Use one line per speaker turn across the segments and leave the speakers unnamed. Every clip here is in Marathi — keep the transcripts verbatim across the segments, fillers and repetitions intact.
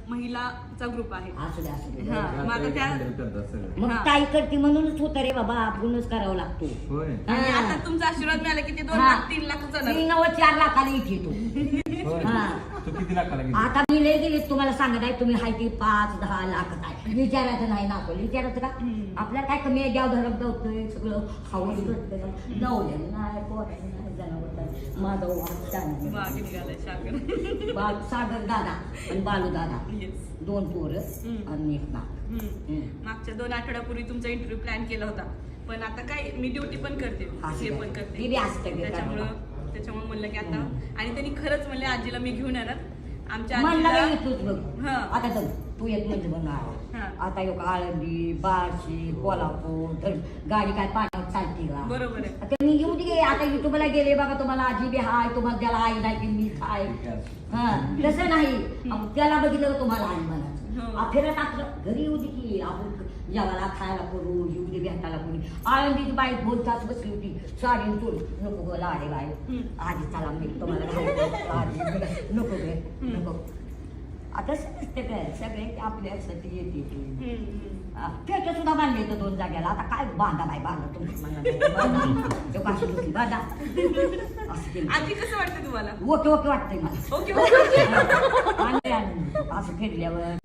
महिलाचा ग्रुप आहे.
असू दे असू दे.
हा, मग आता त्या
मग
हा.
ताई करते म्हणूनच होतं रे बाबा, आपणच करावं लागतो.
होय
आणि
हा.
आता तुमचा आशीर्वाद मिळाला की ते दोन
हा.
लाख तीन लाख जाणार.
तीन नव्वद चार लाखाला इथे तो.
होय
हा.
तू किती लाखाला गेली?
आता मी लय गेले तुम्हाला सांगत आहे, तुम्ही हाय ती पाच दहा लाख आहे विचारायचं नाही ना, आपण विचारायचं का? आपल्याला काय कमी आहे, द्याव धरक दवतोय सगळं हवस करतोय, नवल्यानं नाही पोरानं नाही जनावर नाही. माझा वाद चांगला.
वाघ निघालाय सागर.
बाल सागर दादा आणि बालू दादा
Yes.
दोन पोरं
हम्म.
आणि एक नाक.
हम्म.
हम्म.
मागच्या दोन आठवड्यापूर्वी तुमचा इंटरव्ह्यू प्लॅन केला होता, पण आता काय मी ड्युटी पण करते, हे पण करते,
ती बी असते की
त्याच्यामुळं
करायला.
त्याच्यामुळे म्हणलं की आता, आणि त्यांनी खरंच म्हणले आजीला मी घेऊन येणार. आमच्या
म्हणला
आजीला
बाई तूच बघ.
हा.
आता तर तू येत म्हणजे
हा.
म्हणणार आता एक आळंदी बार्शी कोल्हापूर तर गाडी काय पाण्यावर चालते का?
बरोबर आहे.
आता मी येऊ दे, आता युट्यूबला गेले बाबा, तुम्हाला आजी बी हाय, तुम्हाला त्याला आई नाही की मी हाय. हा तसं नाही, अहो, त्याला बघितलं का तुम्हाला आई
हो.
म्हणायचं. फिरत आपलं घरी येऊ दे की आपण जेवायला खायला करू, येऊ दे भेटायला करू. आळंदीची बाई दोन तास बसली होती, साडी चोळ नको गो लाडे बाई, आधी चला मी तुम्हाला घालतो. आधी नको गे नको. आता समजते काय सगळे आपल्यासाठी येते. पेट सुद्धा बांधले तर दोन जाग्याला, आता काय बांधा बाई बांधा तुमची मनात बांधा असं केलं.
आजी कसं वाटतं तुम्हाला?
ओके ओके वाटतंय मला.
Okay okay.
आणि आणि असं फिरल्यावर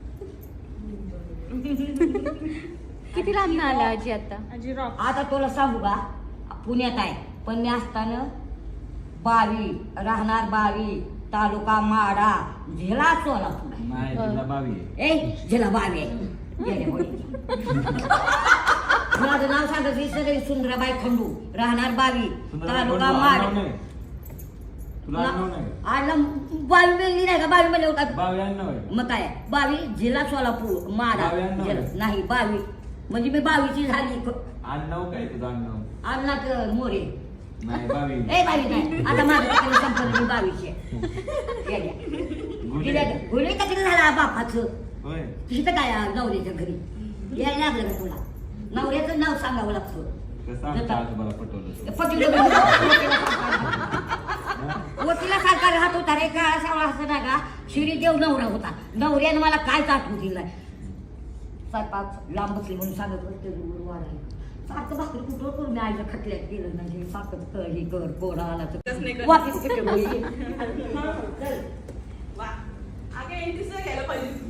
किती लांब आला आजी आता?
आजी रॉक.
आता तुला सांगू का, पुण्यात आहे पण मी असताना बावी राहणार, बावी तालुका माडा, झेला सोलापूर.
नाही तुला बावी आहे.
ए झेला बावी आहे. गेल्या होळीची. माझं नाव सांगायचं सगळी सुंदराबाई खंडू, राहणार बावी तालुका
आडनाव
माडा.
नाही. तुला आडनाव नाही.
आडला बावी वेगळी नाही का? बावी मध्ये का?
बावी आडनाव आहे.
मग काय बावी जिल्हा सोलापूर माडा.
बावी आडनाव आहे.
जिल्हा- नाही बावी म्हणजे मी बावीची झाली.
आडनाव काय तुझं आडनाव?
अन्नात मोरे.
नाही बावी.
ए बावी नाही, आता माझं तिकडे संपलं, मी बावीची आहे. गेल्या. गेल्या का? गुन्हे का तिकडे झाला बापाचं.
होय
तिथं काय नवऱ्याच्या घरी यायला लागलं का तुला? नवऱ्याचं नाव सांगावं लागतं.
कसं आमच्या आजोबाला पटवलं?
पतीला वकीला सारखा राहत होता रे का, असा असं ना का श्रीदेव नवरा होता. नवऱ्यानं मला काय आठवू दिलं स्वयंपाक लांब बसली म्हणून सांगत होते वाढायला. सारखं भाकरी कुठं करून मी आईच्या खटल्यात केलं नाही, सारखं कर हे कर कोणा आला
तसं नाही
तर
करत.
वापस कुठे बोलली.
वा. आगे एंट्रीच घ्यायला पाहिजे.